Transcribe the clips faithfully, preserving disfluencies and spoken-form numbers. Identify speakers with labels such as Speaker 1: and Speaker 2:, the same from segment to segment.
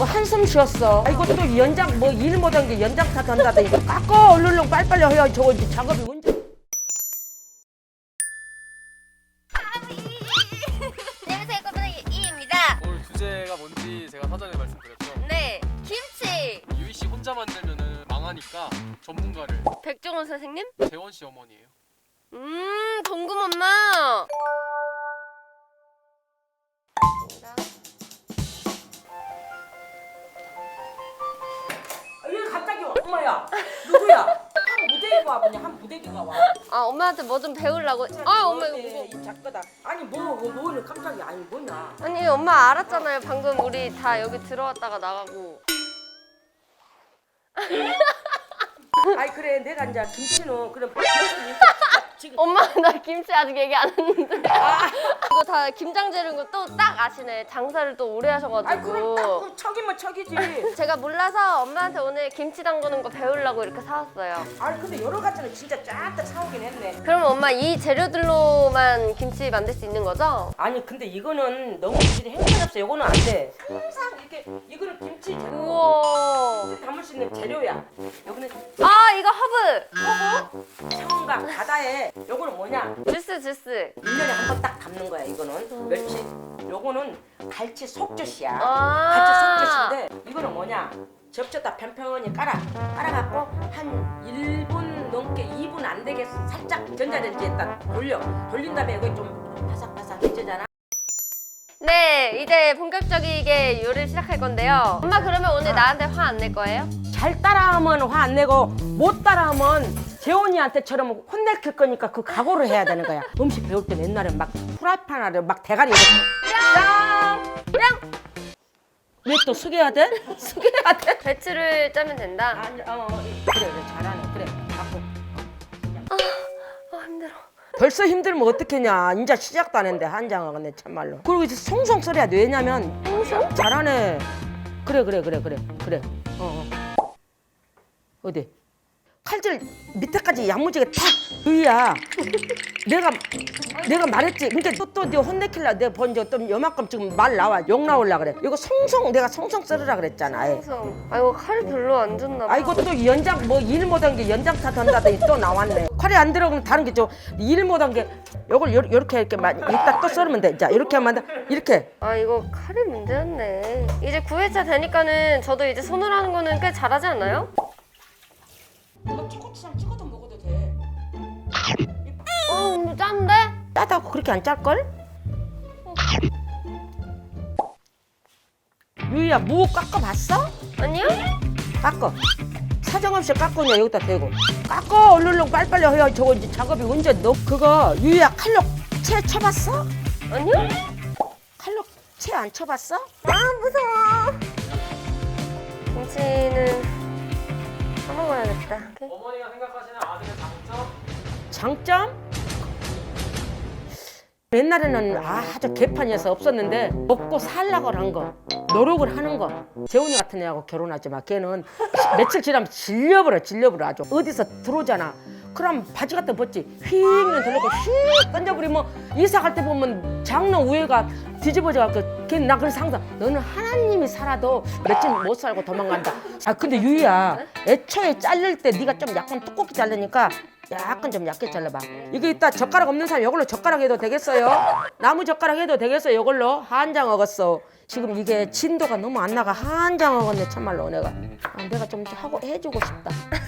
Speaker 1: 뭐 한숨 쉬었어. 아, 이것도 연장 뭐 일 못한 게 연장 탓 한다더니 깎아 얼른 빨리빨리 해야 저거 이제 작업이 언제.
Speaker 2: 안녕하세요, 꼬부기 이입니다.
Speaker 3: 오늘 주제가 뭔지 제가 사전에 말씀드렸죠.
Speaker 2: 네, 김치.
Speaker 3: 유희 씨 혼자 만들면은 망하니까 전문가를
Speaker 2: 백종원 선생님?
Speaker 3: 재원 씨 어머니예요.
Speaker 2: 음, 동금 엄마.
Speaker 1: 왜 갑자기 와? 엄마야 누구야? 한 무대기가 와보냐? 한 무대기가 와.
Speaker 2: 아, 엄마한테 뭐 좀 배우려고. 아, 엄마 이거
Speaker 1: 네,
Speaker 2: 무거워.
Speaker 1: 이 작가다. 아니 뭐 뭐를 갑자기 아니 뭐냐?
Speaker 2: 아니, 엄마 알았잖아요. 방금 우리 다 여기 들어왔다가 나가고.
Speaker 1: 아이 그래 내가 이제 김치는 그럼 지금
Speaker 2: 엄마 나 김치 아직 얘기 안 했는데. 이거 다 김장 재료인 거 또 딱 아시네. 장사를 또 오래
Speaker 1: 아이 그럼 딱
Speaker 2: 하셔가지고.
Speaker 1: 그럼 척이면 척이지.
Speaker 2: 제가 몰라서 엄마한테 오늘 김치 담그는 거 배우려고 이렇게 사왔어요.
Speaker 1: 아니 근데 여러 가지는 진짜 쫙다 사오긴 했네.
Speaker 2: 그럼 엄마 이 재료들로만 김치 만들 수 있는 거죠?
Speaker 1: 아니 근데 이거는 너무 질이 행편없어. 이거는 안 돼. 항상 이렇게 이거는 김치 재료
Speaker 2: 우와.
Speaker 1: 담을 수 있는 재료야. 여기는
Speaker 2: 아, 이거 허브.
Speaker 1: 허브, 청강, 바다에 요거는 뭐냐?
Speaker 2: 주스 주스.
Speaker 1: 일 년에 한 번 딱 담는 거야. 이거는 멸치. 요거는 갈치 속젓이야.
Speaker 2: 아.
Speaker 1: 갈치 속젓인데 이거는 뭐냐? 접시에다 편편히 깔아. 깔아갖고 한 일 분 넘게 이 분 안 되게 살짝 전자레인지에다 돌려. 돌린 다음에 이거 좀 바삭바삭해지잖아.
Speaker 2: 네, 이제 본격적이게 요리를 시작할 건데요. 엄마 그러면 오늘 나한테 화 안 낼 거예요?
Speaker 1: 잘 따라하면 화 안 내고 못 따라하면 재원이한테처럼 혼낼 거니까 그 각오를 해야 되는 거야. 음식 배울 때 옛날에 막 프라이팬 아래 막 대가리
Speaker 2: 뿅!
Speaker 1: 왜 또 숙여야 돼? 숙여야 돼?
Speaker 2: 배추를 짜면 된다.
Speaker 1: 아니, 어, 어, 그래 그래 잘하네 그래 갖고
Speaker 2: 아, 힘들어.
Speaker 1: 벌써 힘들면 어떡하냐. 이제 시작도 안 했는데 한장하겠네 참말로. 그리고 이제 송송 썰어야 돼. 왜냐면
Speaker 2: 송송?
Speaker 1: 잘하네. 그래 그래 그래 그래 그래 어, 어. 어디 칼질 밑에까지 야무지게 탁 으야. 내가 내가 말했지. 그러니까 또또 네 혼내킬라 내가 본적 또 요만큼 지금 말 나와 욕 나올라 그래. 이거 송송 내가 송송 썰으라 그랬잖아. 아이.
Speaker 2: 송송. 아, 이거 칼이 별로 안 좋나 봐.
Speaker 1: 아 이거 또 연장 뭐 일 못한 게 연장 탓 한다더니 또 나왔네. 칼이 안 들어가면 다른 게 좀 일 못한 게 요걸 요, 요렇게 이렇게 만 이따 또 썰으면 돼. 자 이렇게 하면 돼. 이렇게.
Speaker 2: 아, 이거 칼이 문제였네. 이제 구 회차 되니까는 저도 이제 손으로 하는 거는 꽤 잘하지 않나요?
Speaker 1: 이거 초고추장 찍어도 먹어도 돼.
Speaker 2: 어, 뭐 짠데?
Speaker 1: 짜다고 그렇게 안 짤걸? 유이야 무 깎아봤어?
Speaker 2: 아니요?
Speaker 1: 깎아. 사정없이 깎으냐 여기다 대고. 깎아 얼른 빨리빨리 해야 저거 이제 작업이 언제 너 그거 유이야 칼로 채 쳐봤어?
Speaker 2: 아니요?
Speaker 1: 칼로 채 안 쳐봤어?
Speaker 2: 아, 무서워. 김치는 까먹어야겠다. 오케이.
Speaker 3: 어머니가 생각하시는 아들의 장점?
Speaker 1: 장점? 옛날에는 아주 개판이어서 없었는데 먹고 살라고 한 거, 노력을 하는 거. 재훈이 같은 애하고 결혼하지 마. 걔는 며칠 지나면 질려버려, 질려버려 아주. 어디서 들어오잖아. 그럼 바지 같은 거 벗지. 휙 돌리고 휙 던져버리면 이사 갈 때 보면 장롱 위에가 뒤집어져갖고 걔는 나 그래서 항상 너는 하나님이 살아도 며칠 못 살고 도망간다. 아 근데 유이야 애초에 자를 때 네가 좀 약간 두껍게 자르니까 약간 좀 얇게 잘라봐. 이거 이따 젓가락 없는 사람 이걸로 젓가락 해도 되겠어요? 나무 젓가락 해도 되겠어요? 이걸로 한장 얻었어. 지금 이게 진도가 너무 안 나가. 한장 얻었네 참말로 내가. 아, 내가 좀 하고 해주고 싶다.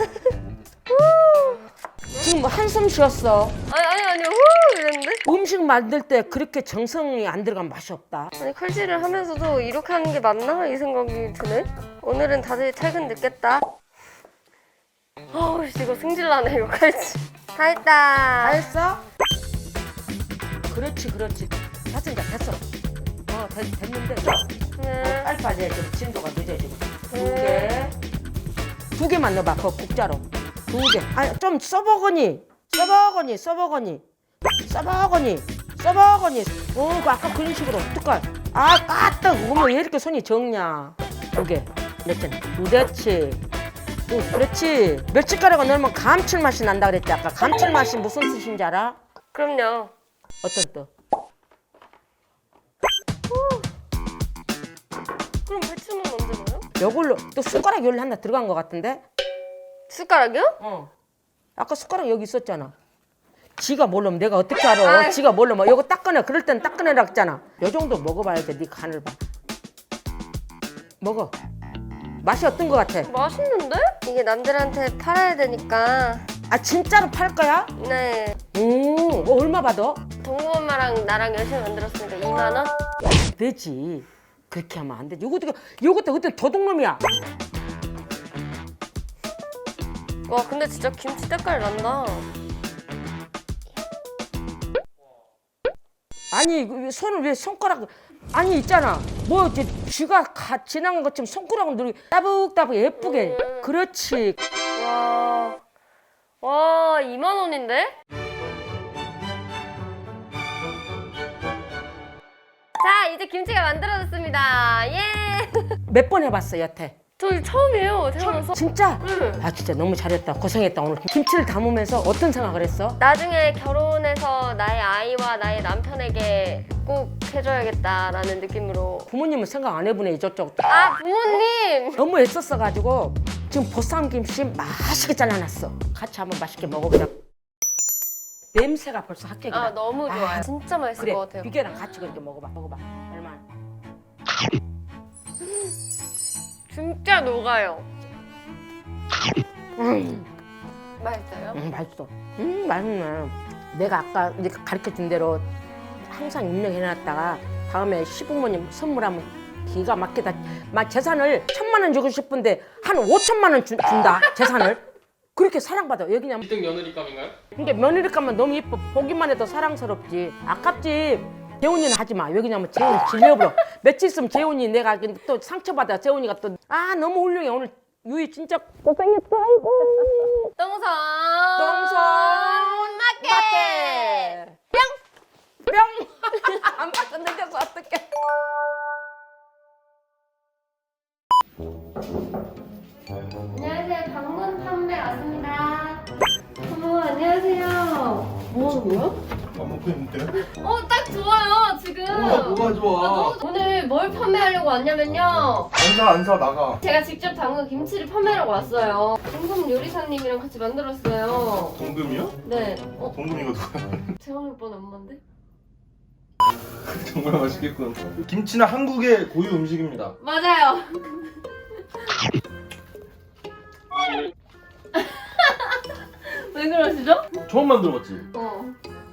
Speaker 1: 지금 뭐 한숨 쉬었어.
Speaker 2: 아니, 아니, 아니, 후! 이랬는데?
Speaker 1: 음식 만들 때 그렇게 정성이 안 들어가면 맛이 없다.
Speaker 2: 아니, 칼질을 하면서도 이렇게 하는 게 맞나? 이 생각이 드네? 오늘은 다들 퇴근 늦겠다. 어우, 이거 승질나네, 이거 칼질. 다 했다.
Speaker 1: 다 했어? 그렇지 그렇지. 됐어 이제 됐어. 어 됐, 됐는데
Speaker 2: 네.
Speaker 1: 빨리빨리 해. 좀 진도가 늦어지고. 두
Speaker 2: 네.
Speaker 1: 개. 두 개만 넣어봐. 그 국자로. 두 개. 아니 좀 써보거니. 써보거니 써보거니. 써보거니. 써보거니. 어, 그 아까 그런 식으로. 어떡할. 아 까딱. 어머 왜 이렇게 손이 적냐. 두 개. 그렇지. 그렇지. 오, 그렇지. 멸치가루가 넣으면 감칠맛이 난다 그랬지 아까. 감칠맛이 무슨 뜻인지 알아?
Speaker 2: 그럼요.
Speaker 1: 어떤 뜻?
Speaker 2: 그럼 배추는 언제 넣어요?
Speaker 1: 요걸로 또 숟가락 여기 하나 들어간 것 같은데?
Speaker 2: 숟가락이요?
Speaker 1: 어. 아까 숟가락 여기 있었잖아. 지가 모르면 내가 어떻게 알아?
Speaker 2: 아이.
Speaker 1: 지가 모르면 이거 딱 꺼내. 그럴 땐 딱 꺼내라 했잖아. 요 정도 먹어봐야 돼. 네 간을 봐. 먹어. 맛이 어떤 것 같아?
Speaker 2: 맛있는데? 이게 남들한테 팔아야 되니까.
Speaker 1: 아 진짜로 팔 거야?
Speaker 2: 네.
Speaker 1: 오, 뭐 얼마 받아?
Speaker 2: 동구 엄마랑 나랑 열심히 만들었으니까 이만 원?
Speaker 1: 되지. 그렇게 하면 안 되지. 요것도 요것도 그때 도둑놈이야.
Speaker 2: 와 근데 진짜 김치 때깔 난다.
Speaker 1: 아니 그 손을 왜 손가락 아니 있잖아 뭐 이제 쥐가 가, 지나간 것처럼 손가락을 누르 따북따북 예쁘게 그렇지.
Speaker 2: 와, 와 이만 원인데? 자 이제 김치가 만들어졌습니다. 예.
Speaker 1: 몇 번 해봤어 여태?
Speaker 2: 저 이거 처음이에요 태어나서.
Speaker 1: 진짜?
Speaker 2: 응.
Speaker 1: 아 진짜 너무 잘했다. 고생했다. 오늘 김치를 담으면서 어떤 생각을 했어?
Speaker 2: 나중에 결혼해서 나의 아이와 나의 남편에게 꼭 해줘야겠다라는 느낌으로.
Speaker 1: 부모님은 생각 안 해보네 이쪽저쪽.
Speaker 2: 아 부모님.
Speaker 1: 너무 애썼어가지고 지금 보쌈 김치 맛있게 잘라놨어. 같이 한번 맛있게 먹어보자. 냄새가 벌써 합격이다.
Speaker 2: 아 너무 좋아요.
Speaker 1: 아,
Speaker 2: 진짜 맛있을
Speaker 1: 그래
Speaker 2: 것 같아요.
Speaker 1: 비계랑 같이 그렇게 먹어봐. 먹어봐. 얼마나?
Speaker 2: 진짜 녹아요.
Speaker 1: 음,
Speaker 2: 맛있어요?
Speaker 1: 음 맛있어. 음 맛있네. 내가 아까 이렇게 가르쳐준 대로 항상 입력해놨다가 다음에 시부모님 선물하면 기가 막히다. 막 재산을 천만 원 주고 싶은데 한 오천만 원 주, 준다. 재산을. 그렇게 사랑받아. 여기냐.
Speaker 3: 일 등 며느리감인가요?
Speaker 1: 근데 며느리감은 너무 예뻐. 보기만 해도 사랑스럽지. 아깝지. 재훈이는 하지 마. 왜냐면 재훈이 질려버려. 며칠 있으면 재훈이 내가 또 상처받아. 재훈이가 또 아 너무 훌륭해. 오늘 유이 진짜 고생했어. 아이고.
Speaker 2: 똥손.
Speaker 1: 똥손
Speaker 2: 맞게.
Speaker 1: 뿅! 뿅! 안 맞았는데 어떡해.
Speaker 2: 안녕하세요. 방문 판매 왔습니다. 어머 안녕하세요. 뭐 하는 거야?
Speaker 4: 안 먹고 있는데요?
Speaker 2: 어 딱 좋아요 지금.
Speaker 4: 우와, 뭐가 좋아?
Speaker 2: 아, 너무 좋- 오늘 뭘 판매하려고 왔냐면요.
Speaker 4: 안사 안사 나가.
Speaker 2: 제가 직접 담근 김치를 판매하러 왔어요. 동금 요리사님이랑 같이 만들었어요.
Speaker 4: 동금이요?
Speaker 2: 네. 어?
Speaker 4: 동금이가 누구야?
Speaker 2: 재원이 오빠는 엄마인데?
Speaker 4: 정말 맛있겠군. 김치는 한국의 고유 음식입니다.
Speaker 2: 맞아요. 왜 그러시죠?
Speaker 4: 처음 만들어봤지?
Speaker 2: 어.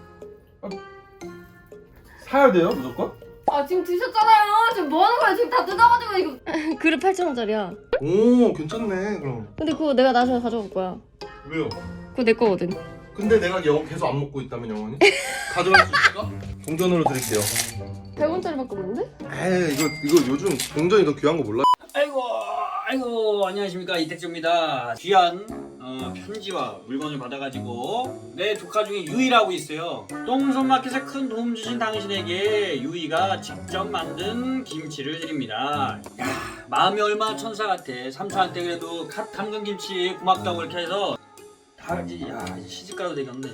Speaker 4: 사야 돼요 무조건?
Speaker 2: 아 지금 드셨잖아요. 지금 뭐 하는 거야? 지금 다 뜯어가지고 이거. 그릇 팔천 원짜리야.
Speaker 4: 오 괜찮네 그럼.
Speaker 2: 근데 그거 내가 나중에 가져올 거야.
Speaker 4: 왜요?
Speaker 2: 그거 내 거거든.
Speaker 4: 근데 내가 영 계속 안 먹고 있다면 영원히? 가져갈 수 있을까? 동전으로 드릴게요.
Speaker 2: 백 원짜리밖에 없는데?
Speaker 4: 에이 이거 이거 요즘 동전이 더 귀한 거 몰라?
Speaker 5: 아이고 아이고 안녕하십니까 이택조입니다. 귀한 어, 편지와 물건을 받아가지고 내 조카 중에 유이라고 있어요. 똥손마켓에 큰 도움 주신 당신에게 유이가 직접 만든 김치를 드립니다. 야 마음이 얼마나 천사 같아. 삼촌한테 그래도 갓 담근 김치 고맙다고 이렇게 해서 다 이제 야 이제 시집가도 되겠네.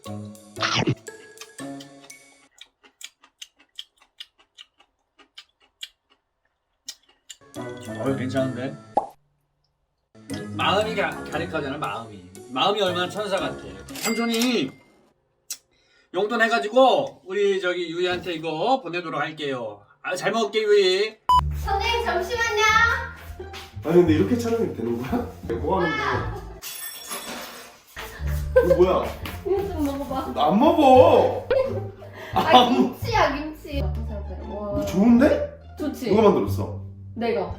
Speaker 5: 어 괜찮은데? 마음이 가, 가득하잖아 마음이. 마음이 얼마나 천사 같아. 삼촌이 용돈 해가지고 우리 저기 유이한테 이거 보내도록 할게요. 아, 잘 먹을게 유이.
Speaker 2: 선생님 잠시만요.
Speaker 4: 아니 근데 이렇게 촬영이 되는 거야? 뭐 하는데? 이거 뭐야?
Speaker 2: 이거 좀 먹어봐.
Speaker 4: 나 안 먹어!
Speaker 2: 아 김치야 김치. 와.
Speaker 4: 좋은데?
Speaker 2: 좋지.
Speaker 4: 누가 만들었어?
Speaker 2: 내가.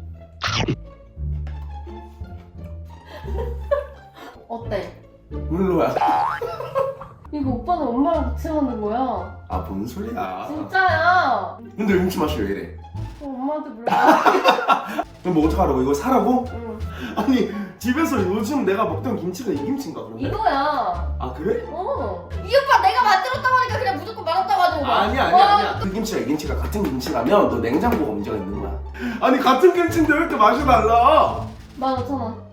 Speaker 2: 어때?
Speaker 4: 물로야.
Speaker 2: 이거 오빠는 엄마랑 같이 만든 거야.
Speaker 4: 아 뭔 소리야?
Speaker 2: 진짜야.
Speaker 4: 근데 김치 맛이 왜 이래?
Speaker 2: 어, 엄마한테 물어봐.
Speaker 4: 그럼 뭐 어떡하라고? 이거 사라고?
Speaker 2: 응.
Speaker 4: 아니 집에서 요즘 내가 먹던 김치가 이 김치인가 그러면?
Speaker 2: 이거야.
Speaker 4: 아 그래?
Speaker 2: 어. 이 오빠 내가 만들었다고 하니까 그냥 무조건 맛없다고 하는 거야.
Speaker 4: 아니야 아니야 아니야 그 김치가 이 김치가 같은 김치라면 너 냉장고가 문제가 있는 거야. 아니 같은 김치인데 왜 이렇게 맛이 달라?
Speaker 2: 만 오천 원.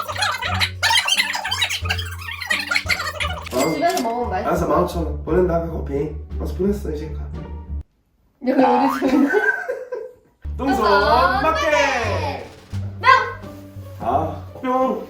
Speaker 4: 어?
Speaker 2: 집에서 먹으면 맛있어.
Speaker 4: 알았어 만 오천 원 보낸다 그 커피. 벌써 보냈어 이제 가.
Speaker 2: 여기 우리 집인데?
Speaker 4: 똥손
Speaker 2: 똥손
Speaker 4: 맞게. 아, 뿅.